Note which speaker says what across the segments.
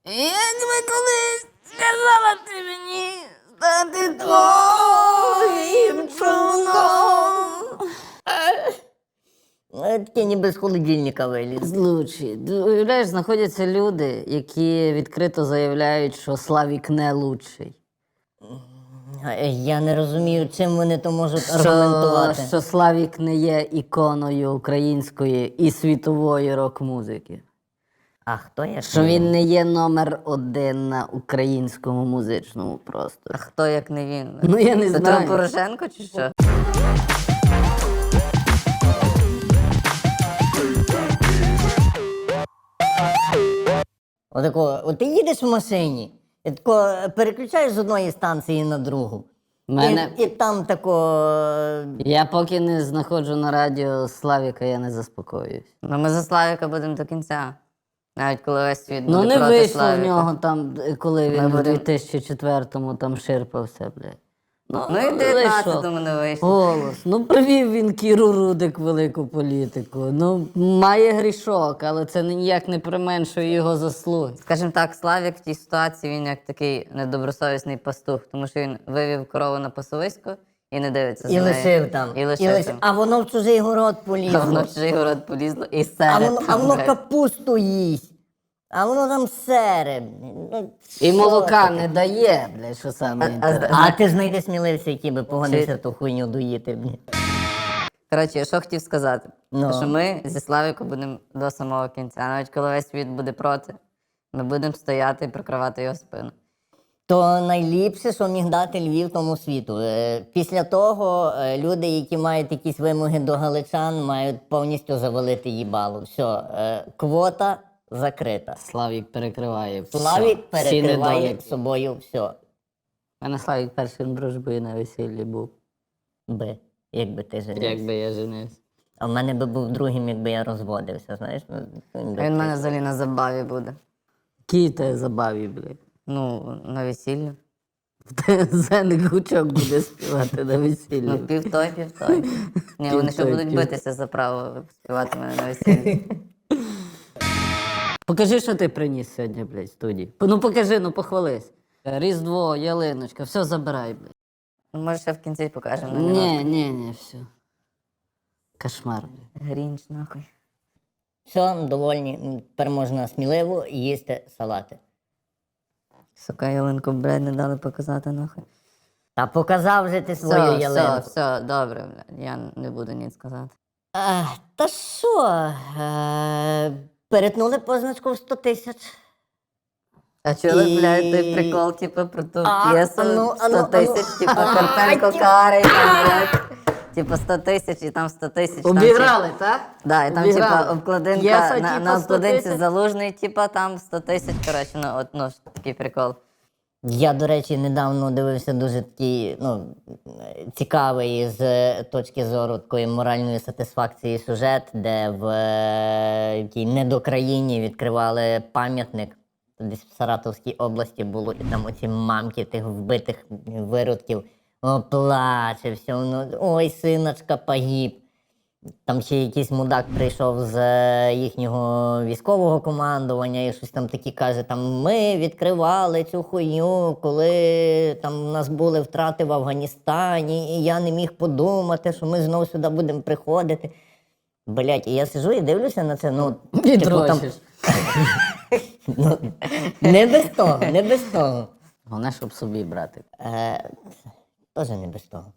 Speaker 1: Як би колись сказала ти мені стати твоїм човном.
Speaker 2: Таке ніби з холодильника виліз.
Speaker 3: Лучші. Уявляєш, знаходяться люди, які відкрито заявляють, що Славік не лучший.
Speaker 2: Я не розумію, чим вони то можуть аргументувати.
Speaker 3: Що Славік не є іконою української і світової рок-музики.
Speaker 2: А хто я?
Speaker 3: Що він не є номер один на українському музичному просторі.
Speaker 1: А хто як не він?
Speaker 3: Ну я не
Speaker 1: Петро
Speaker 3: знаю.
Speaker 1: Порошенко чи що?
Speaker 2: От ти їдеш в машині, і тако переключаєш з одної станції на другу.
Speaker 3: Мене...
Speaker 2: І там тако.
Speaker 3: Я поки не знаходжу на радіо Славіка, я не заспокоююсь.
Speaker 1: Ну ми за Славіка будемо до кінця. Навіть коли весь світ
Speaker 3: Ну
Speaker 1: буде
Speaker 3: не
Speaker 1: проти
Speaker 3: вийшло
Speaker 1: Славіка.
Speaker 3: в нього там, коли він
Speaker 1: Ми
Speaker 3: в
Speaker 1: будемо-
Speaker 3: 2004-му там ширпався, блядь.
Speaker 1: Ну і в
Speaker 3: вийшло.
Speaker 1: 19-му не вийшло.
Speaker 3: Голос. Ну привів він Кіру Рудик велику політику. Ну має грішок, але це ніяк не применшує його заслуги.
Speaker 1: Скажімо так, Славік в тій ситуації він як такий недобросовісний пастух, тому що він вивів корову на пасовисько і не дивиться за
Speaker 2: І
Speaker 1: нею.
Speaker 2: лишив там.
Speaker 1: І лишив там.
Speaker 2: А воно в чужий город
Speaker 1: А воно
Speaker 2: полізло.
Speaker 1: в чужий город полізло і
Speaker 2: А
Speaker 1: серед.
Speaker 2: воно,
Speaker 1: там, блядь.
Speaker 2: капусту їсть. А воно там сере. Ну,
Speaker 3: І
Speaker 2: що
Speaker 3: молока
Speaker 2: таке?
Speaker 3: не дає, блядь, що саме інтересне.
Speaker 2: А ти знайди сміливця, який би погодився ту хуйню доїти.
Speaker 1: Коротше, що хотів сказати,
Speaker 2: Ну.
Speaker 1: що ми зі Славіком будемо до самого кінця. Навіть коли весь світ буде проти, ми будемо стояти і прикривати його спину.
Speaker 2: То найліпше, що міг дати Львів тому світу. Після того люди, які мають якісь вимоги до галичан, мають повністю завалити їбалу. Все, квота закрита.
Speaker 3: Славік перекриває все.
Speaker 2: Славік
Speaker 3: Всі
Speaker 2: перекриває
Speaker 3: недоліки.
Speaker 2: собою все.
Speaker 3: У мене Славік першим дружбою на весіллі був.
Speaker 2: Якби ти женився.
Speaker 3: Якби я женився.
Speaker 2: А в мене би був другим, якби я розводився, знаєш. Ну,
Speaker 1: А він в мене взагалі на забаві буде.
Speaker 3: Який тебе забаві, блядь.
Speaker 1: Ну, на весіллі.
Speaker 3: Зеник гучок буде співати на весіллі.
Speaker 1: Ну, пів той, пів той. Ні, вони ще
Speaker 3: той,
Speaker 1: будуть
Speaker 3: пів
Speaker 1: битися за право співати мене на весіллі.
Speaker 3: Покажи, що ти приніс сьогодні, блядь, в студії. Ну покажи, ну похвались. Різдво, ялиночка, все забирай, блядь.
Speaker 1: Ну, може, ще в кінці покажемо. на
Speaker 3: Ні, все. Кошмар, блядь.
Speaker 1: Грінч, нахуй.
Speaker 2: Все, довольні. Тепер можна сміливо їсти салати.
Speaker 1: Сука, ялинку, блядь, не дали показати, нахуй.
Speaker 2: Та показав же ти свою
Speaker 1: Все,
Speaker 2: ялинку.
Speaker 1: все, добре, блядь, я не буду ніч сказати.
Speaker 2: Та що? Перетнули позначку в 100 тисяч.
Speaker 1: А чули,
Speaker 2: І-
Speaker 1: блядь, той прикол, типу, про ту
Speaker 2: А,
Speaker 1: п'єсу
Speaker 2: ану,
Speaker 1: 100
Speaker 2: ану,
Speaker 1: тисяч,
Speaker 2: ану.
Speaker 1: типу, Карпенко Карий, там, блядь. Типу 100 тисяч і там 100 тисяч. там,
Speaker 3: Обіграли, так?
Speaker 1: Да, і там,
Speaker 3: Обіграли.
Speaker 1: типа, обкладинка,
Speaker 3: П'єса,
Speaker 1: на
Speaker 3: типа, 100
Speaker 1: обкладинці
Speaker 3: тисяч.
Speaker 1: Залужний, типа, там 100 тисяч, коротше, ну, от, ну, такий прикол.
Speaker 2: Я, до речі, недавно дивився дуже такий, цікавий з точки зору такої моральної сатисфакції сюжет, де в тій недокраїні відкривали пам'ятник. Десь в Саратовській області було, і там оці мамки тих вбитих виродків. О, плаче, все, ой, синочка погиб. Там ще якийсь мудак прийшов з їхнього військового командування і щось там такі каже, там ми відкривали цю хуйню, коли там у нас були втрати в Афганістані, і я не міг подумати, що ми знову сюди будемо приходити. Блять, і я сижу і дивлюся на це,
Speaker 3: Відрочиш.
Speaker 2: ну, не без того, не без того.
Speaker 3: Головне, щоб собі брати.
Speaker 2: Теж не без того.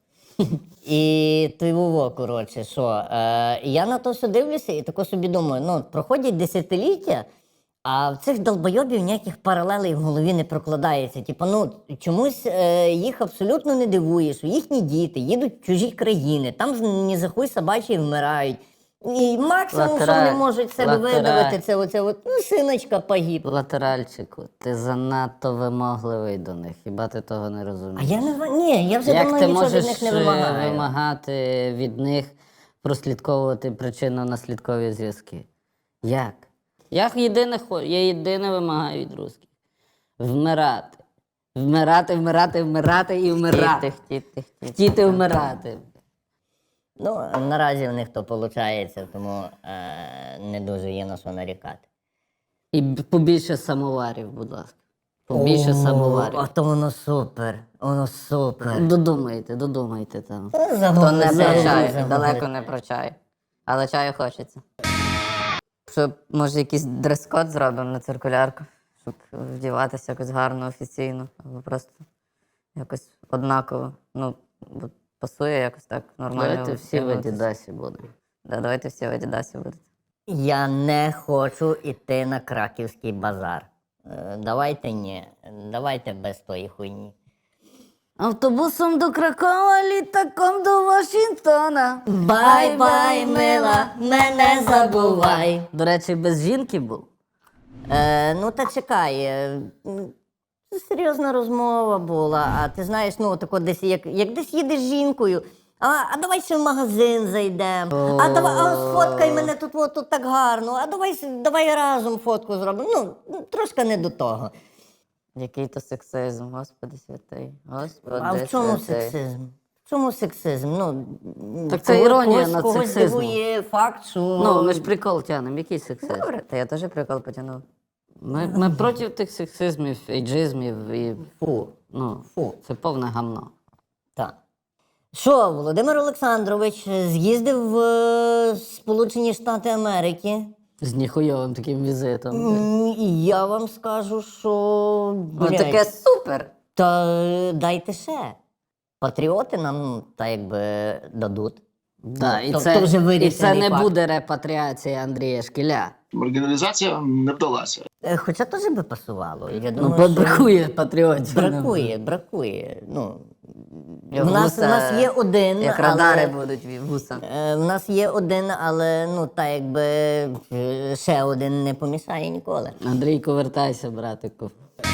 Speaker 2: І той Вова, коротше, що, я на то все дивлюся і тако собі думаю, проходять десятиліття, а в цих долбойобів ніяких паралелей в голові не прокладається. Типу, чомусь їх абсолютно не дивує, що їхні діти їдуть в чужі країни, там ні за хуй собачі вмирають. І максимум, що вони можуть з себе видавити, це оце, синочка погиб.
Speaker 3: Латеральчику, ти занадто вимогливий до них, хіба ти того не
Speaker 2: А
Speaker 3: розумієш?
Speaker 2: я не ні, я вже
Speaker 3: Як
Speaker 2: давно
Speaker 3: ти
Speaker 2: нічого від
Speaker 3: можеш
Speaker 2: них не вимагаю.
Speaker 3: вимагати від них прослідковувати причинно-наслідкові зв'язки? Як? Я єдине вимагаю від русських. Вмирати. Вмирати і вмирати. Хотіти вмирати.
Speaker 2: Наразі в них то виходить, тому не дуже є на що нарікати.
Speaker 3: І побільше самоварів, будь ласка. Побільше самоварів.
Speaker 2: А то воно супер. Воно супер.
Speaker 3: Додумайте там.
Speaker 1: То не
Speaker 2: Загуглили,
Speaker 1: про чай,
Speaker 2: загуглили.
Speaker 1: далеко не про чай. Але чаю хочеться. Щоб, може, якийсь дрес-код зробимо на циркулярку, щоб вдіватися якось гарно, офіційно, або просто якось однаково. Ну, бо пасує якось так нормально.
Speaker 3: Давайте всі в
Speaker 1: вдягнутися.
Speaker 3: Адідасі будемо.
Speaker 1: Да, давайте всі в Адідасі будете.
Speaker 2: Я не хочу йти на краківський базар. Давайте ні. Давайте без тої хуйні.
Speaker 3: Автобусом до Кракова, літаком до Вашингтона.
Speaker 2: Бай-бай, мила, мене забувай.
Speaker 3: До речі, без жінки був.
Speaker 2: Ну та чекай. Це серйозна розмова була. А ти знаєш, ну тако десь, як десь їдеш з жінкою. А давай ще в магазин зайдемо. А сфоткай мене тут так гарно. А давай разом фотку зробимо. Ну, трошки не до того.
Speaker 1: Який то сексизм, Господи святий. Господи
Speaker 2: А в чому
Speaker 1: святий.
Speaker 2: сексизм? В чому сексизм? Ну,
Speaker 3: Так це іронія над
Speaker 2: когось
Speaker 3: сексизмом.
Speaker 2: дивує факт, що...
Speaker 3: Ну, ми ж прикол тянемо. Який сексизм?
Speaker 1: Добре, та я теж прикол потягнув.
Speaker 3: Ми проти тих сексизмів, ейджизмів і
Speaker 2: Фу.
Speaker 3: це повне гамно.
Speaker 2: Так. Що, Володимир Олександрович з'їздив в Сполучені Штати Америки.
Speaker 3: З ніхуйовим таким візитом.
Speaker 2: І я вам скажу, що...
Speaker 1: Ну таке супер!
Speaker 2: Та дайте ще. Патріоти нам, та якби, дадуть.
Speaker 3: Да, і
Speaker 2: то
Speaker 3: це,
Speaker 2: вже
Speaker 3: і
Speaker 2: вирішений
Speaker 3: це не
Speaker 2: факт.
Speaker 3: буде репатріація Андрія Шкіля.
Speaker 4: Маргіналізація не вдалася.
Speaker 2: Хоча теж би пасувало. Я
Speaker 3: Ну,
Speaker 2: думаю, що...
Speaker 3: бракує патріотів.
Speaker 2: Бракує. Ну,
Speaker 1: Як
Speaker 2: в нас
Speaker 1: вуса,
Speaker 2: є один,
Speaker 1: Як
Speaker 2: але...
Speaker 1: радари будуть вуса.
Speaker 2: В нас є один, але ну та якби ще один не помішає ніколи.
Speaker 3: Андрійко, вертайся, братику.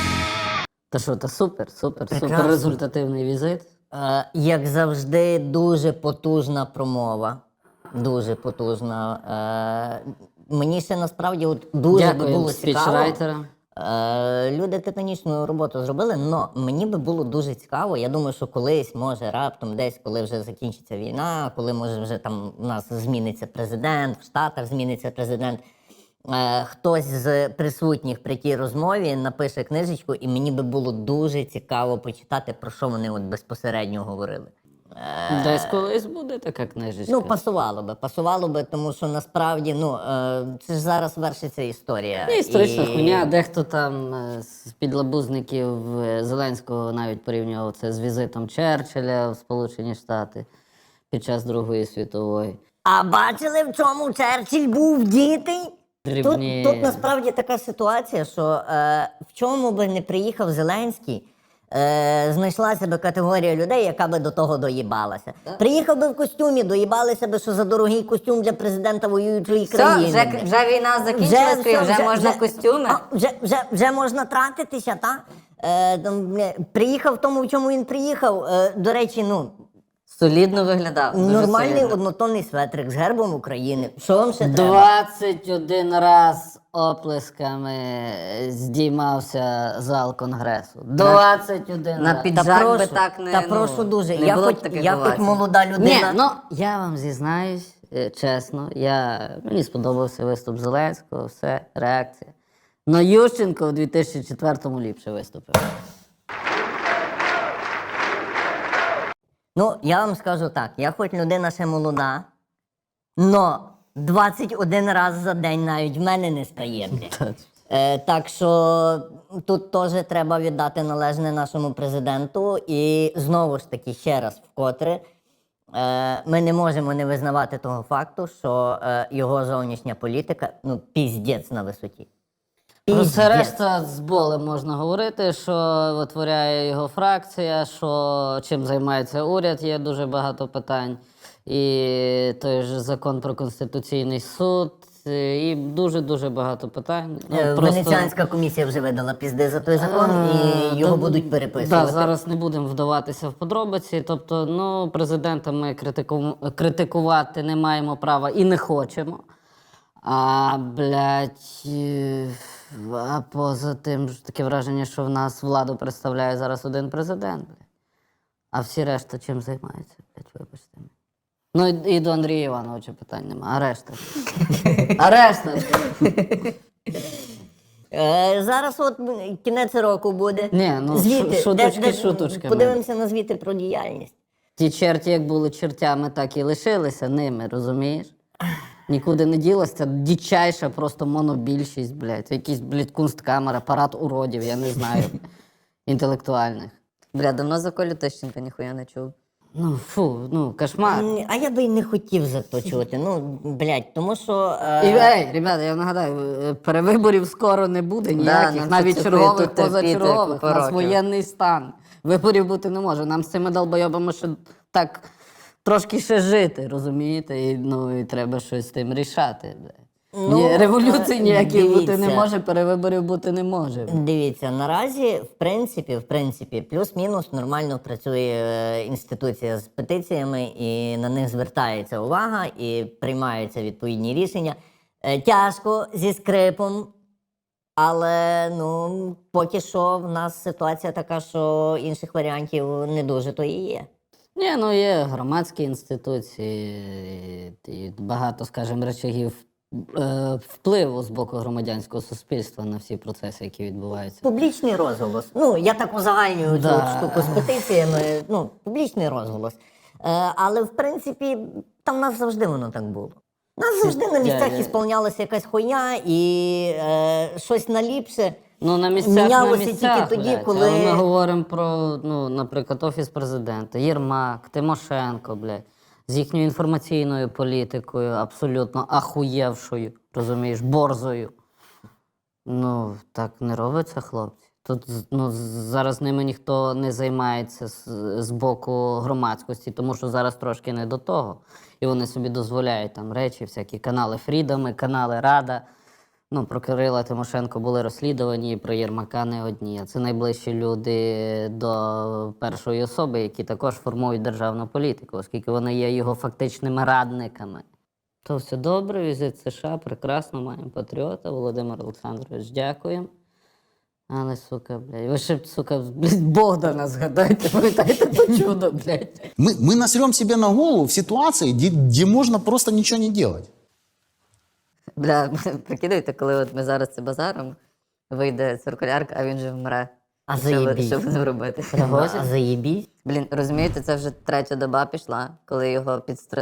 Speaker 3: Та що, та супер
Speaker 2: Прекрасно.
Speaker 3: результативний візит.
Speaker 2: Як завжди, дуже потужна промова. Дуже потужна. Мені ще насправді от дуже би
Speaker 3: Дякую
Speaker 2: було цікаво.
Speaker 3: спічрайтерам.
Speaker 2: Люди титанічну роботу зробили, але мені би було дуже цікаво. Я думаю, що колись, може, раптом десь, коли вже закінчиться війна, коли може вже там у нас зміниться президент, в Штатах зміниться президент. Хтось з присутніх при тій розмові напише книжечку, і мені би було дуже цікаво почитати, про що вони от безпосередньо говорили.
Speaker 3: Десь колись буде така книжечка.
Speaker 2: Ну, пасувало би, тому що насправді, це ж зараз вершиться історія.
Speaker 3: Це історична хуйня. Дехто там з підлабузників Зеленського навіть порівнював це з візитом Черчилля в Сполучені Штати під час Другої світової.
Speaker 2: А бачили, в чому Черчилль був дітей?
Speaker 3: Дрібні.
Speaker 2: Тут насправді така ситуація, що в чому би не приїхав Зеленський, знайшлася би категорія людей, яка би до того доїбалася. Приїхав би в костюмі, доїбалися би, що за дорогий костюм для президента воюючої
Speaker 1: Все,
Speaker 2: країни.
Speaker 1: вже війна закінчилась, вже можна костюми.
Speaker 2: Вже можна тратитися, так? Приїхав в тому, в чому він приїхав. До речі,
Speaker 1: Солідно виглядав. дуже
Speaker 2: нормальний
Speaker 1: солідно.
Speaker 2: однотонний светрик з гербом України. Що вам ще треба?
Speaker 3: 21 раз оплесками здіймався зал Конгресу. 21
Speaker 1: На
Speaker 3: раз.
Speaker 1: піджак би так не,
Speaker 2: прошу дуже.
Speaker 1: не
Speaker 2: Я
Speaker 1: було
Speaker 2: хоч,
Speaker 1: б таких
Speaker 2: я хоч
Speaker 1: овацій.
Speaker 2: молода
Speaker 3: Ні,
Speaker 2: людина.
Speaker 3: ну я вам зізнаюсь, чесно, мені сподобався виступ Зеленського, все, реакція. Но Ющенко в 2004-му ліпше виступив.
Speaker 2: Ну, я вам скажу так, я хоч людина ще молода, но 21 раз за день навіть в мене не стає. Так що тут теж треба віддати належне нашому президенту. І знову ж таки, ще раз вкотре, ми не можемо не визнавати того факту, що його зовнішня політика, піздець на висоті.
Speaker 3: Про це
Speaker 2: Піздець.
Speaker 3: решта з болем можна говорити, що витворяє його фракція, що чим займається уряд, є дуже багато питань. І той ж закон про Конституційний суд, і дуже-дуже багато питань.
Speaker 2: Венеціанська комісія вже видала пізди за той закон, і його будуть переписувати.
Speaker 3: Да, зараз не будемо вдаватися в подробиці. Тобто, президента ми критикувати не маємо права і не хочемо. А поза тим ж таке враження, що в нас владу представляє зараз один президент. А всі решта чим займаються? Вибачте. Ну і до Андрія Івановича питань нема. А решта?
Speaker 2: Зараз от кінець року буде.
Speaker 3: Ні, ну,
Speaker 2: Звіти.
Speaker 3: шуточки шуточками.
Speaker 2: Подивимося на звіти про діяльність.
Speaker 3: Ті черті, як були чертями, так і лишилися ними, розумієш? Нікуди не ділося, це дичайша просто монобільшість, блядь. Якийсь, блядь, кунсткамера, парад уродів, я не знаю, інтелектуальних.
Speaker 1: Бля, давно за Колю Тищенка ніхуя не чув.
Speaker 3: Ну, фу, ну, кошмар.
Speaker 2: А я би й не хотів заточувати. Ну, блядь, тому що.
Speaker 3: Ей, ребята, я нагадаю, перевиборів скоро не буде ніяких,
Speaker 1: нам
Speaker 3: навіть
Speaker 1: це
Speaker 3: чергових,
Speaker 1: тут терпіти
Speaker 3: позачергових. У
Speaker 1: купу
Speaker 3: нас
Speaker 1: років.
Speaker 3: воєнний стан. Виборів бути не може. Нам з цими долбойобами ще так трошки ще жити, розумієте? І, ну, і треба щось з тим рішати. Ні, революції ніяких бути не
Speaker 2: дивіться.
Speaker 3: може, перевиборів бути не може.
Speaker 2: Дивіться, наразі, в принципі, плюс-мінус нормально працює інституція з петиціями, і на них звертається увага, і приймаються відповідні рішення. Тяжко, зі скрипом, але ну, поки що в нас ситуація така, що інших варіантів не дуже то і є.
Speaker 3: Ні, ну є громадські інституції, і багато, скажімо, речагів впливу з боку громадянського суспільства на всі процеси, які відбуваються.
Speaker 2: Публічний розголос. Ну, я так узагальнюю
Speaker 3: Да.
Speaker 2: цю штуку з петиціями. Ну, публічний розголос. Але в принципі, там в нас завжди воно так було. У нас завжди на місцях ісполнялася якась хуйня і щось наліпше.
Speaker 3: Ну, на місцях,
Speaker 2: мінялося
Speaker 3: на місцях,
Speaker 2: тільки тоді,
Speaker 3: блядь.
Speaker 2: коли-
Speaker 3: Але ми говоримо про, ну, наприклад, Офіс Президента, Єрмак, Тимошенко, блядь, з їхньою інформаційною політикою, абсолютно ахуєвшою, розумієш, борзою. Ну, так не робиться, хлопці. Тут ну, зараз ними ніхто не займається з боку громадськості, тому що зараз трошки не до того. І вони собі дозволяють там речі, всякі канали Фрідоми, канали Рада. Ну, про Кирила Тимошенко були розслідувані, і про Єрмака не одні. А це найближчі люди до першої особи, які також формують державну політику, оскільки вони є його фактичними радниками. То все добре, візит в США, прекрасно, маємо патріота. Володимир Олександрович, дякуємо. Але, сука, блядь, ви ще, сука, блядь, Богдана згадайте, пам'ятаєте то чудо, блядь.
Speaker 5: Мы насрем себе на голову в ситуации, где можно просто ничего не делать.
Speaker 1: Бля, прикидайте, коли от ми зараз це базаром, вийде циркулярка, а він же вмре.
Speaker 2: А
Speaker 1: Що
Speaker 2: заєбісь.
Speaker 1: що будемо робити?
Speaker 2: А заєбісь.
Speaker 1: Блін, розумієте, це вже третя доба пішла, коли його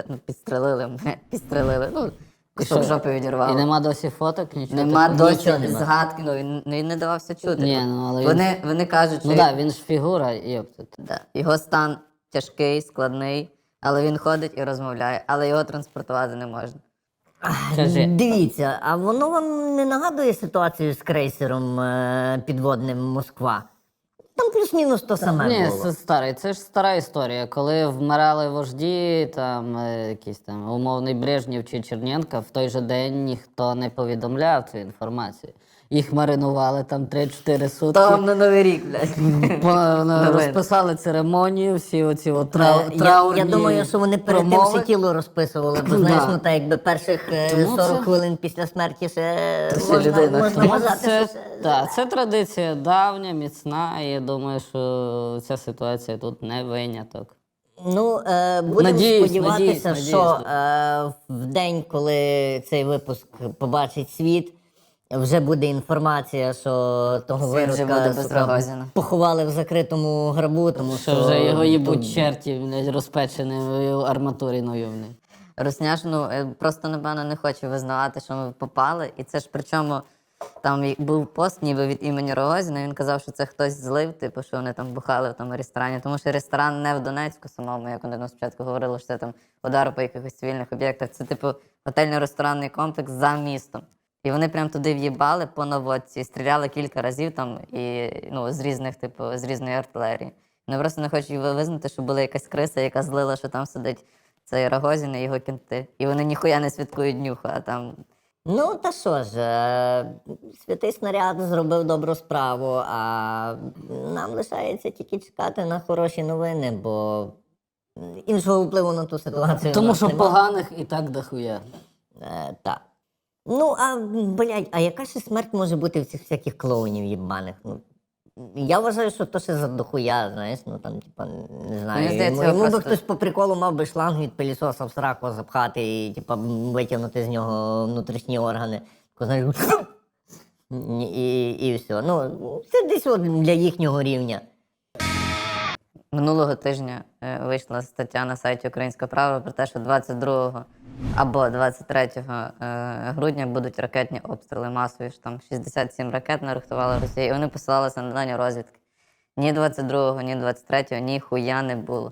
Speaker 1: підстрелили. Ну, кусок жопи відірвало.
Speaker 3: І нема досі фоток, нічого.
Speaker 1: Нема
Speaker 3: такого?
Speaker 1: досі
Speaker 2: нічого нема.
Speaker 1: згадки, ну він не давався чути.
Speaker 3: Ні, ну, але
Speaker 1: Вони кажуть, що
Speaker 3: Ну так, він ж фігура, йопта.
Speaker 1: да, його стан тяжкий, складний, але він ходить і розмовляє, але його транспортувати не можна.
Speaker 3: Кажи.
Speaker 2: Дивіться, а воно вам не нагадує ситуацію з крейсером підводним Москва? Там плюс-мінус то саме
Speaker 3: Ні,
Speaker 2: було.
Speaker 3: це старий. Це ж стара історія. Коли вмирали вожді, там якийсь там умовний Брежнєв чи Черненко, в той же день ніхто не повідомляв цю інформацію. Їх маринували там 3-4 сутки.
Speaker 1: Там на Новий рік, блядь.
Speaker 3: Розписали церемонію, всі оці от
Speaker 2: Я
Speaker 3: траурні
Speaker 2: думаю, що вони перед тим
Speaker 3: промови.
Speaker 2: все тіло розписували, бо знаєш,
Speaker 3: Да.
Speaker 2: ну так якби перших
Speaker 3: Тому
Speaker 2: 40
Speaker 3: це-
Speaker 2: хвилин після смерті ще
Speaker 1: ще людина.
Speaker 2: можна
Speaker 3: Тому
Speaker 2: вважати,
Speaker 3: це,
Speaker 2: що ще...
Speaker 3: та, це традиція давня, міцна, і я думаю, що ця ситуація тут не виняток.
Speaker 2: Ну, будемо
Speaker 3: Надіюсь,
Speaker 2: сподіватися,
Speaker 3: надіюсь.
Speaker 2: що в день, коли цей випуск побачить світ, вже буде інформація, що того
Speaker 1: Світ вже буде
Speaker 2: виродка
Speaker 1: без
Speaker 2: сука,
Speaker 1: Рогозіна.
Speaker 2: поховали в закритому гробу, тому що...
Speaker 3: Що вже його їбуть черті, блядь, розпеченою арматуриною. блядь.
Speaker 1: Русняш, ну, просто, напевно, не хоче визнавати, що ми попали. І це ж причому там був пост ніби від імені Рогозіна, він казав, що це хтось злив, типу, що вони там бухали в тому ресторані. Тому що ресторан не в Донецьку самому, як вони нам спочатку говорили, що це там удар по якихось цивільних об'єктах. Це, типу, готельно-ресторанний комплекс за містом. І вони прям туди в'їбали по наводці, і стріляли кілька разів там, і, ну, з різних, типу, з різної артилерії. Вони просто не хочуть визнати, що була якась криса, яка злила, що там сидить цей Рогозін і його кінти. І вони ніхуя не святкують днюху, а там.
Speaker 2: Ну, та що ж, святий снаряд зробив добру справу, а нам лишається тільки чекати на хороші новини, бо іншого впливу на ту ситуацію.
Speaker 3: Тому
Speaker 2: в нас
Speaker 3: що
Speaker 2: нема.
Speaker 3: поганих і так дохуя.
Speaker 2: Так. Ну, а, блядь, а яка ще смерть може бути в цих всяких клоунів їбаних? Ну, я вважаю, що то ще за дохуя, знаєш, ну там, типа, не знаю.
Speaker 1: Мені здається,
Speaker 2: йому би
Speaker 1: просто-
Speaker 2: хтось по приколу мав би шланг від пилісоса в сраку запхати і, типа, витягнути з нього внутрішні органи. Тако, знаєш, І все. Ну, це десь от для їхнього рівня.
Speaker 1: Минулого тижня вийшла стаття на сайті Українська Правда про те, що 22 або 23 грудня будуть ракетні обстріли масові, що там 67 ракет нарихтувала Росія, і вони посилалися на дані розвідки. Ні 22-го, ні 23-го, ніхуя не було.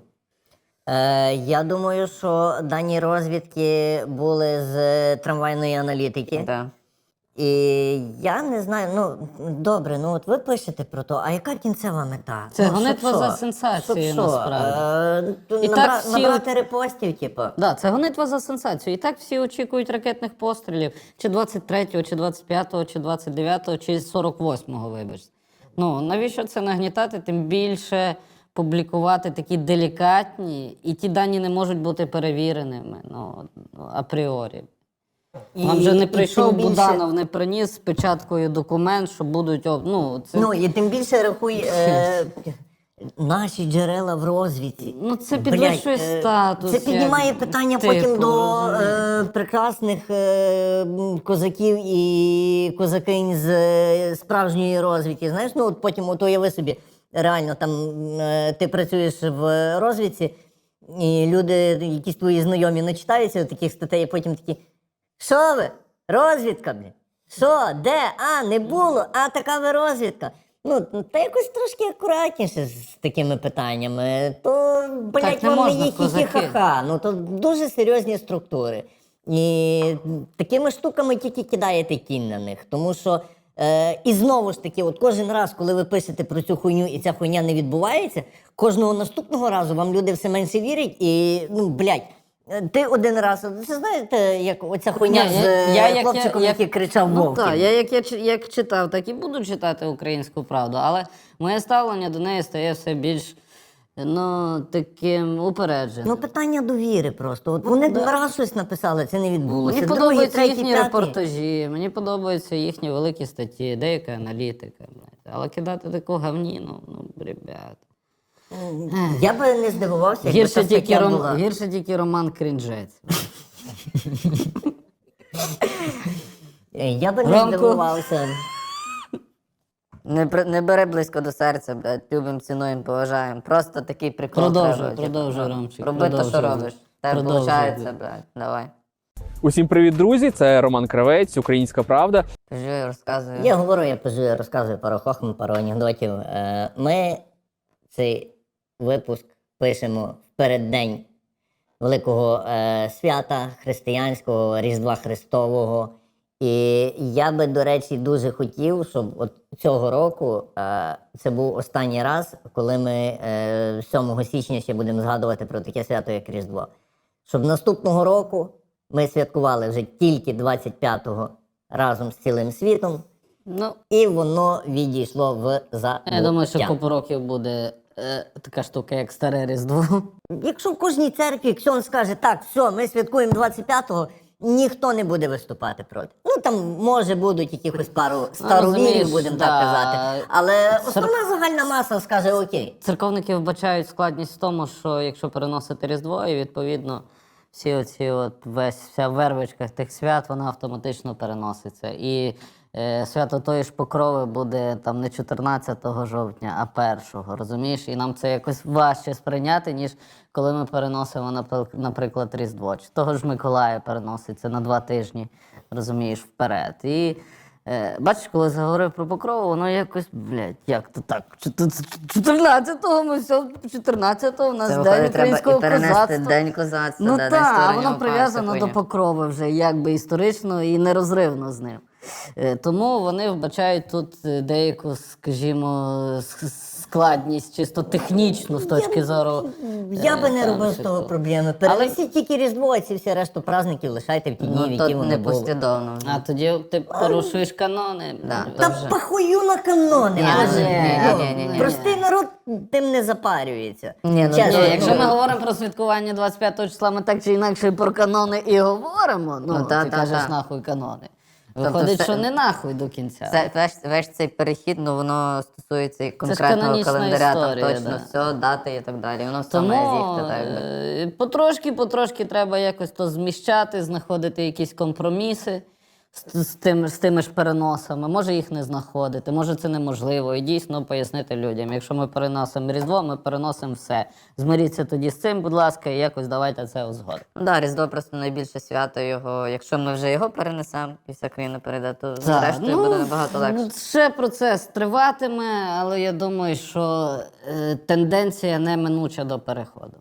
Speaker 2: Я думаю, що дані розвідки були з трамвайної аналітики.
Speaker 1: Да.
Speaker 2: І я не знаю, ну добре, ну от ви пишете про то, а яка кінцева мета?
Speaker 3: Це
Speaker 2: Ну,
Speaker 3: гонитва
Speaker 2: щоб
Speaker 3: за
Speaker 2: що?
Speaker 3: сенсацією,
Speaker 2: Щоб що?
Speaker 3: насправді. І так
Speaker 2: Набра...
Speaker 3: всі
Speaker 2: Набрати репостів, типу.
Speaker 3: Да, це гонитва за сенсацію. І так всі очікують ракетних пострілів. Чи 23-го, чи 25-го, чи 29-го, чи 48-го, вибачте. Ну, навіщо це нагнітати? Тим більше публікувати такі делікатні, і ті дані не можуть бути перевіреними, ну, апріорі. Вам же не прийшов
Speaker 2: тим більше-
Speaker 3: Буданов, не приніс з печаткою документ, що будуть... Ну, це...
Speaker 2: Ну, і тим більше рахуй наші джерела в розвідці.
Speaker 3: Ну, це
Speaker 2: Блядь,
Speaker 3: підвищує статус.
Speaker 2: Це піднімає
Speaker 3: як
Speaker 2: питання
Speaker 3: типу,
Speaker 2: потім до
Speaker 3: розумієш?
Speaker 2: прекрасних козаків і козакинь з справжньої розвідки. Знаєш, ну от потім от уяви собі, реально там ти працюєш в розвідці, і люди, якісь твої знайомі, начитаються таких статей, і потім такі: що ви? Розвідка, блін? Що? Де? А, не було? А, така ви розвідка. Ну, та якось трошки акуратніше з такими питаннями. То, блядь,
Speaker 3: Так не
Speaker 2: вам не
Speaker 3: можна,
Speaker 2: є
Speaker 3: козаки.
Speaker 2: хі-хі-ха-ха. Ну, то дуже серйозні структури. І такими штуками тільки кидаєте кінь на них. Тому що, і знову ж таки, от кожен раз, коли ви пишете про цю хуйню, і ця хуйня не відбувається, кожного наступного разу вам люди все менше вірять, і, ну, блядь, ти один раз, це знаєте, як оця хуйня
Speaker 3: Ні,
Speaker 2: з
Speaker 3: я-
Speaker 2: хлопчиком, який кричав
Speaker 3: Ну
Speaker 2: «Вовки».
Speaker 3: так, я як читав, так і буду читати «Українську правду», але моє ставлення до неї стає все більш, ну, таким упередженим.
Speaker 2: Ну, питання довіри просто. От вони раз щось написали, це не відбулося.
Speaker 3: Мені
Speaker 2: Другий,
Speaker 3: подобаються
Speaker 2: третій,
Speaker 3: їхні
Speaker 2: п'ятий.
Speaker 3: репортажі, мені подобаються їхні великі статті, деяка аналітика. Блядь. Але кидати таку гавніну, ну, ребят.
Speaker 2: Я би не здивувався, якби ця стаття була.
Speaker 3: Гірше тільки Роман Крінжець.
Speaker 2: Я би не
Speaker 3: Ромко.
Speaker 2: здивувався.
Speaker 1: Не бери близько до серця, блядь. Любимо, цінуємо, поважаємо. Просто такий прикол
Speaker 3: Продовжуй,
Speaker 1: треба.
Speaker 3: продовжуй, Ромчик,
Speaker 1: Роби те, що
Speaker 3: продовжуй.
Speaker 1: робиш. Тебе
Speaker 3: Продовжуй,
Speaker 1: виходить,
Speaker 3: блядь.
Speaker 1: блядь. Давай.
Speaker 6: Усім привіт, друзі! Це Роман Кравець, Українська Правда.
Speaker 1: Кажи, розказуй.
Speaker 2: Я говорю, я пишу, я розказую пару хохм, пару анекдотів. Ми цей випуск пишемо в переддень великого свята християнського, Різдва Христового. І я би, до речі, дуже хотів, щоб от цього року це був останній раз, коли ми 7 січня ще будемо згадувати про таке свято, як Різдво. Щоб наступного року ми святкували вже тільки 25-го разом з цілим світом,
Speaker 3: Ну,
Speaker 2: і воно відійшло в забуття.
Speaker 3: я думаю, що купу років буде така штука, як Старе Різдво.
Speaker 2: Якщо в кожній церкві ксьон скаже, так, все, ми святкуємо 25-го, ніхто не буде виступати проти. Ну, там, може, будуть якихось пару старовірів,
Speaker 3: розумієш,
Speaker 2: будемо
Speaker 3: да.
Speaker 2: так казати. Але основна загальна маса скаже окей.
Speaker 3: Церковники вбачають складність в тому, що якщо переносити Різдво, і відповідно всі оці вся вервичка тих свят, вона автоматично переноситься. І свято тої ж Покрови буде там не 14 жовтня, а 1-го, розумієш? І нам це якось важче сприйняти, ніж коли ми переносимо, наприклад, Різдво. Чи того ж Миколая переноситься на 2 тижні, розумієш, вперед. І бачиш, коли заговорив про Покрову, воно якось, блядь, як то так? 14-го ми все, 14-го у нас
Speaker 1: Це
Speaker 3: День
Speaker 1: виходить, треба
Speaker 3: українського
Speaker 1: і перенести
Speaker 3: козацтва.
Speaker 1: День козацтва.
Speaker 3: Ну
Speaker 1: да,
Speaker 3: так,
Speaker 1: День
Speaker 3: а
Speaker 1: створення
Speaker 3: воно
Speaker 1: УПА,
Speaker 3: прив'язано
Speaker 1: вся
Speaker 3: до
Speaker 1: хуйня.
Speaker 3: Покрови вже якби історично і нерозривно з ним. Тому вони вбачають тут деяку, скажімо, складність чисто технічну з точки зору.
Speaker 2: Я би не
Speaker 3: там,
Speaker 2: робив з того
Speaker 3: всього.
Speaker 2: проблеми. Перенесіть тільки Різдво, а ці всі решту праздників лишайте в ті дні, в
Speaker 1: Ну,
Speaker 2: які
Speaker 1: то
Speaker 2: вони
Speaker 1: не
Speaker 2: були.
Speaker 1: послідовно.
Speaker 3: А тоді ти порушуєш канони.
Speaker 1: Да,
Speaker 2: Та
Speaker 1: то вже.
Speaker 2: похую на канони.
Speaker 1: Ні,
Speaker 2: Боже.
Speaker 1: ні.
Speaker 2: Ну, простий народ тим не запарюється.
Speaker 1: Ні, ну,
Speaker 2: Чесно.
Speaker 3: Ні, якщо ми говоримо про святкування 25 числа, ми так чи інакше про канони і говоримо. Ну,
Speaker 1: Ну, та,
Speaker 3: ти
Speaker 1: та,
Speaker 3: кажеш
Speaker 1: та.
Speaker 3: нахуй канони.
Speaker 1: Тобто
Speaker 3: Виходить,
Speaker 1: все-
Speaker 3: що не нахуй до кінця.
Speaker 1: Це, весь цей перехід, ну воно стосується і конкретного
Speaker 3: канонічна
Speaker 1: календаря,
Speaker 3: історія,
Speaker 1: там точно
Speaker 3: да.
Speaker 1: все, дати і так далі. Воно все має
Speaker 3: Тому
Speaker 1: з'їхати так якби.
Speaker 3: потрошки треба якось то зміщати, знаходити якісь компроміси, з тими ж переносами, може їх не знаходити, може це неможливо. І дійсно пояснити людям, якщо ми переносимо Різдво, ми переносимо все. Змиріться тоді з цим, будь ласка, і якось давайте це узгодимо.
Speaker 1: Ну, да, Різдво просто найбільше свято його. Якщо ми вже його перенесемо і вся країна перейде, то зрештою буде набагато легше.
Speaker 3: Ще процес триватиме, але я думаю, що тенденція неминуча до переходу.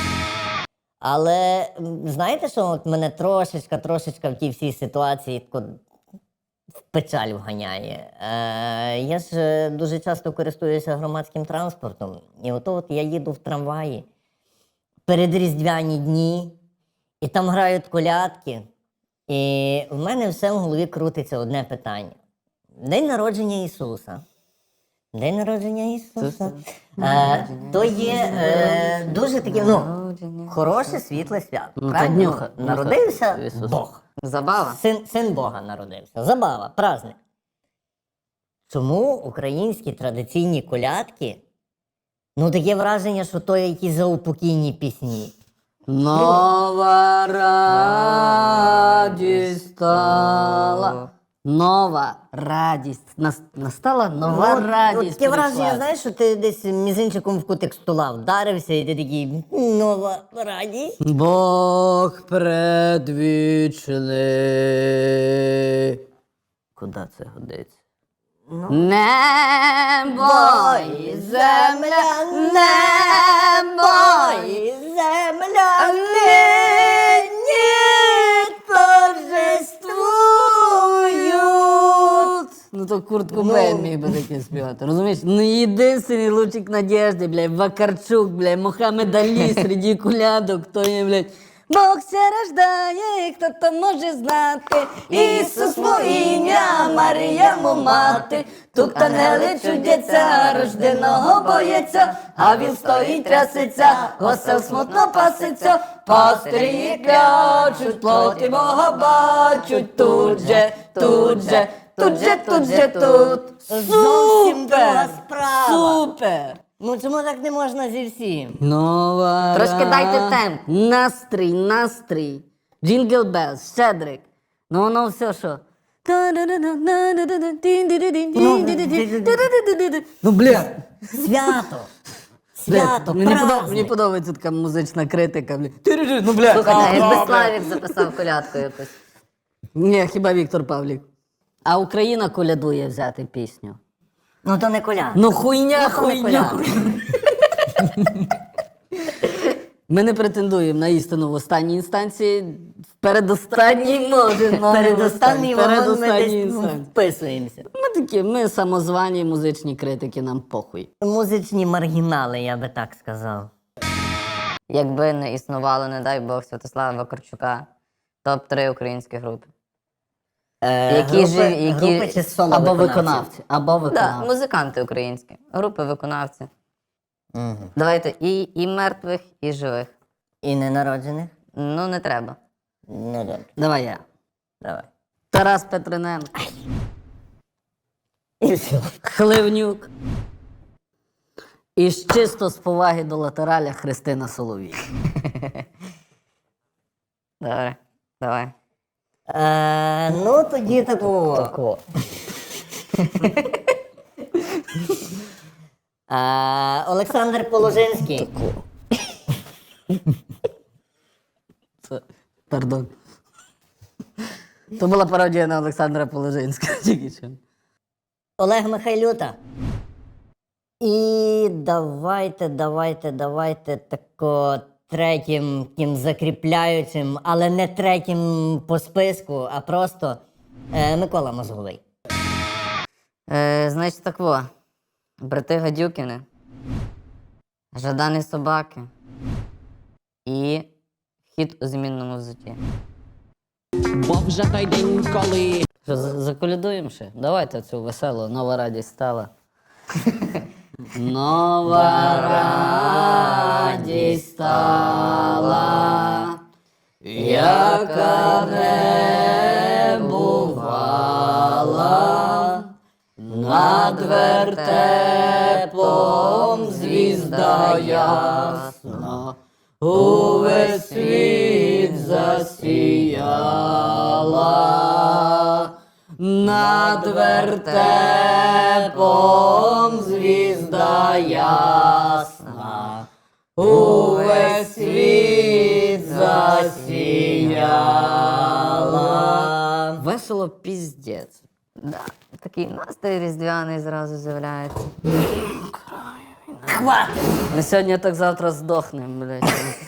Speaker 2: Але знаєте, що от мене трошечка в тій всій ситуації тако в печаль вганяє. Я ж дуже часто користуюся громадським транспортом. І от я їду в трамваї перед Різдвяні дні, і там грають колядки. І в мене все в голові крутиться одне питання. День народження Ісуса. День народження Ісуса. То є дуже таке, хороше, світле свято.
Speaker 3: Ну,
Speaker 2: Правильно?
Speaker 3: та днюха
Speaker 2: Народився
Speaker 3: Ісуса.
Speaker 2: Бог.
Speaker 1: Забава.
Speaker 2: Син Бога народився. Забава, праздник. Чому українські традиційні колядки, таке враження, що то якісь заупокійні пісні.
Speaker 3: Нова радість стала. Нова радість. Настала нова радість.
Speaker 2: Таке враження,
Speaker 3: прийшла.
Speaker 2: знаєш, що ти десь мізинчиком в кутик стола вдарився, і ти такий, нова радість.
Speaker 3: Бог предвічний. Куди це годиться? Небо і земля, небо і
Speaker 2: земля нині торжествують.
Speaker 3: Ну то Курт Кобейн міг би таке співати, розумієш? Ну єдиний лучик надежди, блядь, Вакарчук, блядь, Мохаммед Алі серед колядок, хто є, блядь. Бог ся рождає, хто то може знати, Ісус во ім'я, Марія му мати, тут ангели чудяться, рожденого бояться, а він стоїть трясеться, осел смутно паситься, пастирі клячуть, плоти Бога бачуть, тут же, тут же, тут же, тут же, тут.
Speaker 2: Зовсім друга
Speaker 3: Супер!
Speaker 2: справа.
Speaker 3: Супер!
Speaker 2: Чому так не можна зі всім?
Speaker 3: Нова
Speaker 1: Трошки дайте темп.
Speaker 3: Настрій. Джингл Белс, Щедрик. Ну воно все що. Ну, бля.
Speaker 2: Свято,
Speaker 3: Мені
Speaker 2: праздник.
Speaker 3: подобається така музична критика. Бля. Ну, бля.
Speaker 1: Слухайте, якби Славік записав колядку якусь.
Speaker 3: Ні, хіба Віктор Павлік. А Україна колядує взяти пісню.
Speaker 2: То не коляд.
Speaker 3: Ну хуйня.
Speaker 2: коляд.
Speaker 3: Ми не претендуємо на істину в останній інстанції. В передостанній може.
Speaker 2: Передостанній вагон ми
Speaker 3: Передостанній
Speaker 2: десь
Speaker 3: інстанції.
Speaker 2: вписуємося.
Speaker 3: Ми самозвані музичні критики, нам похуй.
Speaker 2: Музичні маргінали, я би так сказав.
Speaker 1: Якби не існувало, не дай Бог, Святослава Вакарчука, топ-3 українські групи.
Speaker 2: Групи чи соло
Speaker 3: Або
Speaker 2: виконавці?
Speaker 3: виконавці.
Speaker 1: Да, музиканти українські, групи виконавці. Давайте і мертвих, і живих.
Speaker 2: І ненароджених?
Speaker 1: Ну, не треба.
Speaker 2: Ну, добре.
Speaker 3: Давай я.
Speaker 2: Давай.
Speaker 3: Тарас Петриненко.
Speaker 2: І все.
Speaker 3: Хливнюк. І чисто з поваги до латераля Христина Соловій.
Speaker 1: Добре, давай.
Speaker 2: Тоді такого. Олександр Положинський.
Speaker 3: Пардон. То була пародія на Олександра Положинського. Тільки що.
Speaker 2: Олег Михайлюта. І давайте тако третім тим закріпляючим, але не третім по списку, а просто Микола Мозговий.
Speaker 1: Значить, так во. Брати Гадюкіни, Жадані собаки і Хід у змінному взутті.
Speaker 7: Бо вже той день, коли
Speaker 3: Що, заколядуємо ще? Давайте цю веселу, нова радість стала. Нова радість стала, яка не бувала, над вертепом звізда ясна, увесь світ засіяла. над вертепом звізда ясна, увесь світ засіяла. Весело піздець.
Speaker 1: Да, такий настрій різдвяний зразу з'являється.
Speaker 3: Хватить!
Speaker 1: Ми сьогодні так завтра здохнемо, блядь.